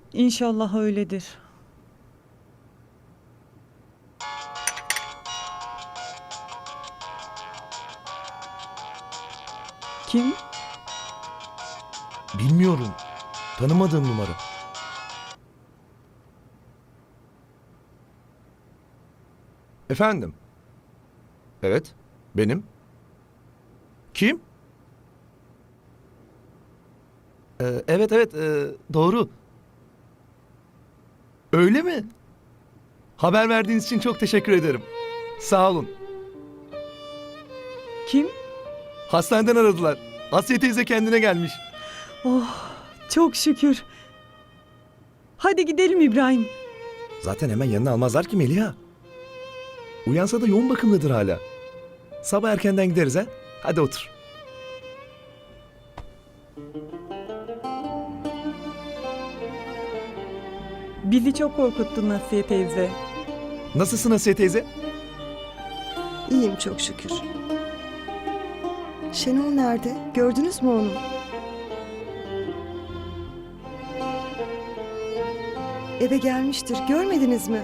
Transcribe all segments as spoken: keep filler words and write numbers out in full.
İnşallah öyledir. Kim? Bilmiyorum. Tanımadığım numara. Efendim? Evet, benim. Kim? Ee, evet evet, ee, doğru. Öyle mi? Haber verdiğiniz için çok teşekkür ederim. Sağ olun. Kim? Hastaneden aradılar. Asiye teyze kendine gelmiş. Oh, çok şükür. Hadi gidelim İbrahim. Zaten hemen yanına almazlar ki Meliha. Uyansa da yoğun bakımdadır hala. Sabah erkenden gideriz ha. Hadi otur. Bizi çok korkuttun Asiye teyze. Nasılsın Asiye teyze? İyiyim çok şükür. Şenol nerede? Gördünüz mü onu? Eve gelmiştir. Görmediniz mi?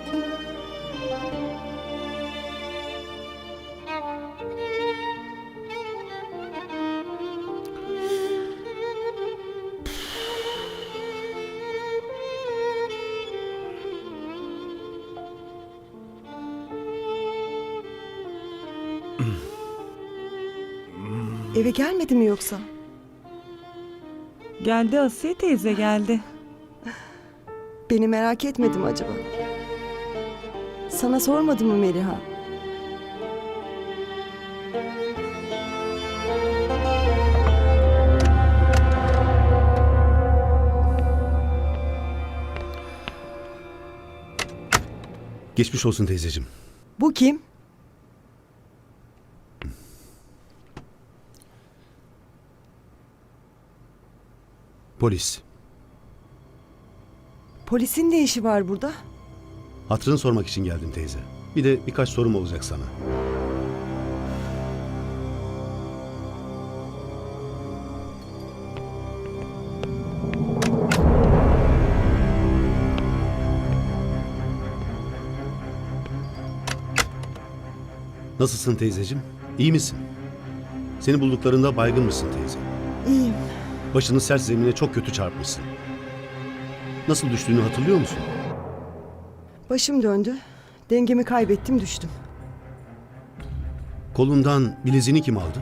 Eve gelmedi mi yoksa? Geldi Asiye teyze geldi. Beni merak etmedim acaba? Sana sormadı mı Meliha? Geçmiş olsun teyzeciğim. Bu kim? Polis. Polisin ne işi var burada? Hatırını sormak için geldim teyze. Bir de birkaç sorum olacak sana. Nasılsın teyzeciğim? İyi misin? Seni bulduklarında baygın mısın teyze? İyiyim. Başını sert zemine çok kötü çarpmışsın. Nasıl düştüğünü hatırlıyor musun? Başım döndü. Dengemi kaybettim, düştüm. Kolundan bileziğini kim aldı?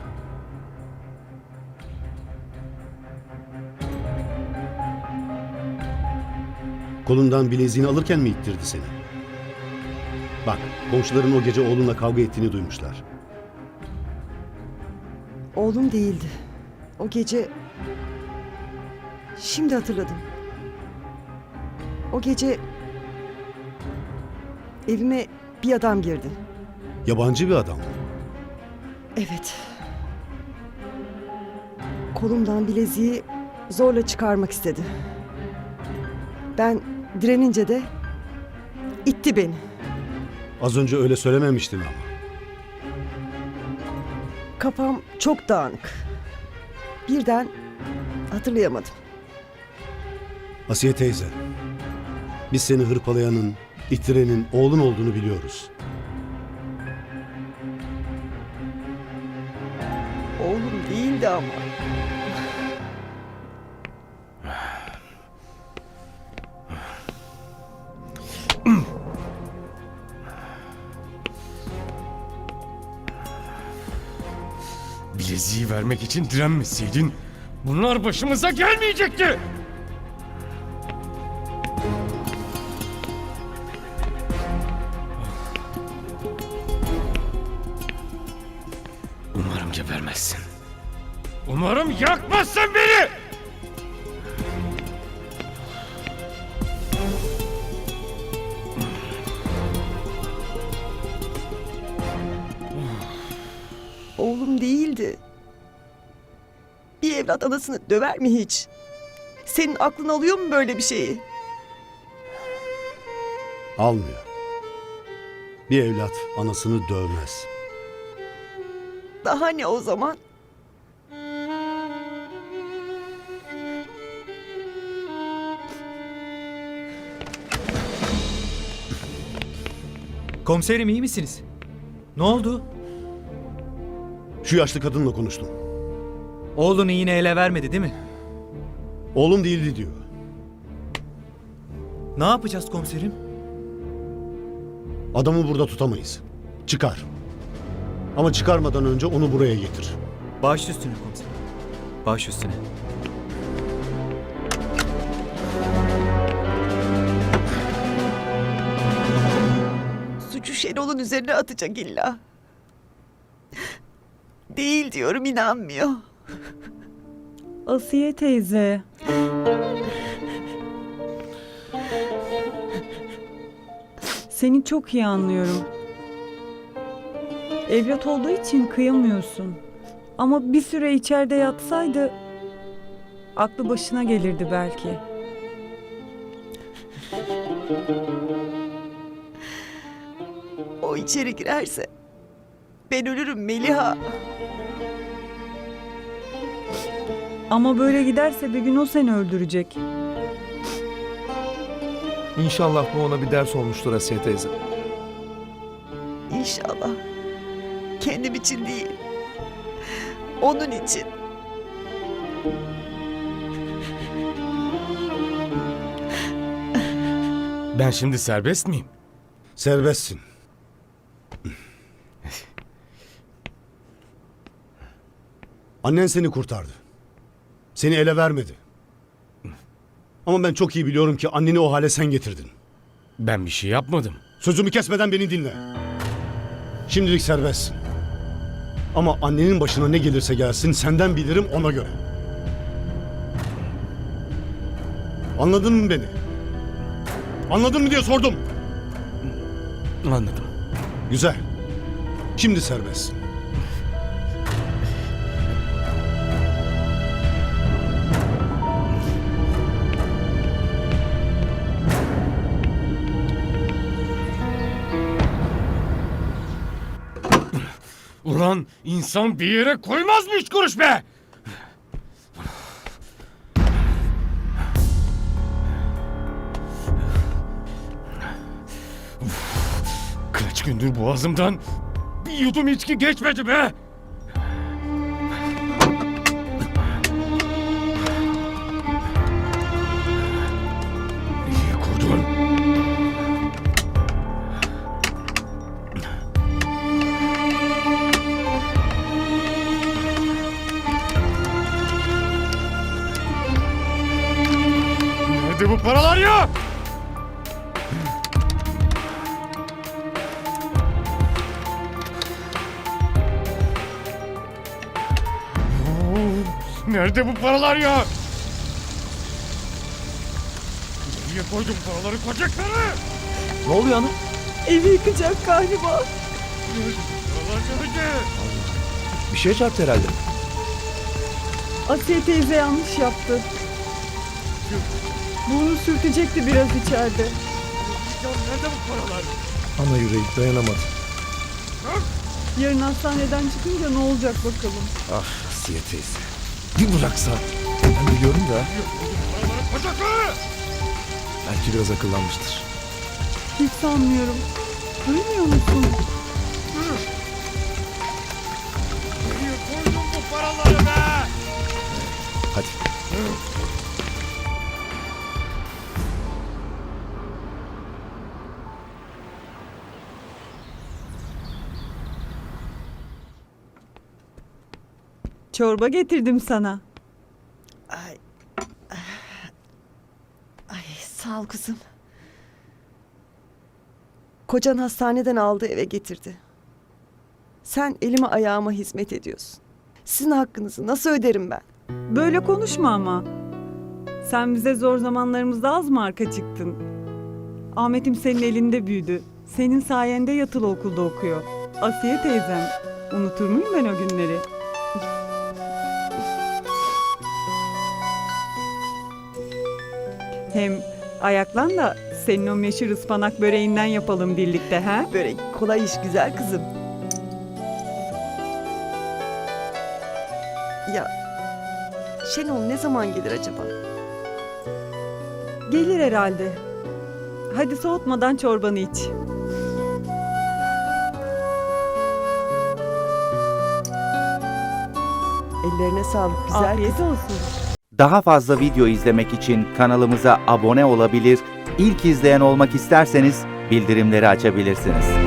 Kolundan bileziğini alırken mi ittirdi seni? Bak, komşuların o gece oğlunla kavga ettiğini duymuşlar. Oğlum değildi. O gece... Şimdi hatırladım. O gece... Evime bir adam girdi. Yabancı bir adam mı? Evet. Kolumdan bileziği zorla çıkarmak istedi. Ben direnince de itti beni. Az önce öyle söylememiştin ama. Kafam çok dağınık. Birden hatırlayamadım. Asiye teyze, biz seni hırpalayanın, ittirenin oğlun olduğunu biliyoruz. Oğlum değildi ama. Bileziği vermek için direnmeseydin bunlar başımıza gelmeyecekti. Umarım gebermezsin. Umarım yakmazsın beni. Oğlum değildi. Bir evlat anasını döver mi hiç? Senin aklın alıyor mu böyle bir şeyi? Almıyor. Bir evlat anasını dövmez. Daha ne o zaman? Komiserim iyi misiniz? Ne oldu? Şu yaşlı kadınla konuştum. Oğlunu yine ele vermedi değil mi? Oğlum değildi diyor. Ne yapacağız komiserim? Adamı burada tutamayız. Çıkar. Ama çıkarmadan önce onu buraya getir. Baş üstüne komiserim. Baş üstüne. Suçu Şenol'un üzerine atacak illa. Değil diyorum, inanmıyor. Asiye teyze. Seni çok iyi anlıyorum. Evlat olduğu için kıyamıyorsun. Ama bir süre içeride yatsaydı aklı başına gelirdi belki. O içeri girerse ben ölürüm Meliha. Ama böyle giderse bir gün o seni öldürecek. İnşallah bu ona bir ders olmuştur Asiye teyze. İnşallah. Kendim için değil. Onun için. Ben şimdi serbest miyim? Serbestsin. Annen seni kurtardı. Seni ele vermedi. Ama ben çok iyi biliyorum ki anneni o hale sen getirdin. Ben bir şey yapmadım. Sözümü kesmeden beni dinle. Şimdilik serbestsin. Ama annenin başına ne gelirse gelsin senden bilirim ona göre. Anladın mı beni? Anladın mı diye sordum. Anladım. Güzel. Şimdi serbestsin. Ulan insan bir yere koymaz mı üç kuruş be? Kaç gündür boğazımdan bir yudum içki geçmedi be? İyi kurdun. Nerede bu paralar ya? Oo, nerede bu paralar ya? Nereye koydun paraları, koca karı? Ne oluyor ana? Evi yıkacak galiba. Paralar nerede? Bir şey çarptı herhalde. Asiye teyze yanlış yaptı. Bunu sürtecekti biraz içeride. Ya nerede bu paralar? Ana yüreği dayanamadı. Yarın hastaneden çıkınca ne olacak bakalım. Ah Asiye teyze. Bir bıraksa. Ben biliyorum da Paraları koca karı! belki biraz akıllanmıştır. Hiç sanmıyorum. Duymuyor musun? Nereye koydun bu paraları be? Hadi. Çorba getirdim sana. Ay. Ay sağ ol kızım. Kocan hastaneden aldı, eve getirdi. Sen elime ayağıma hizmet ediyorsun. Sizin hakkınızı nasıl öderim ben? Böyle konuşma ama. Sen bize zor zamanlarımızda az mı arka çıktın? Ahmet'im senin elinde büyüdü. Senin sayende yatılı okulda okuyor. Asiye teyzem. Unutur muyum ben o günleri? Hem ayaklan da senin o meşhur ıspanak böreğinden yapalım birlikte ha? Börek kolay iş güzel kızım. Ya Şenol ne zaman gelir acaba? Gelir herhalde. Hadi soğutmadan çorbanı iç. Ellerine sağlık güzel Afiyet kızım. olsun. Daha fazla video izlemek için kanalımıza abone olabilir, ilk izleyen olmak isterseniz bildirimleri açabilirsiniz.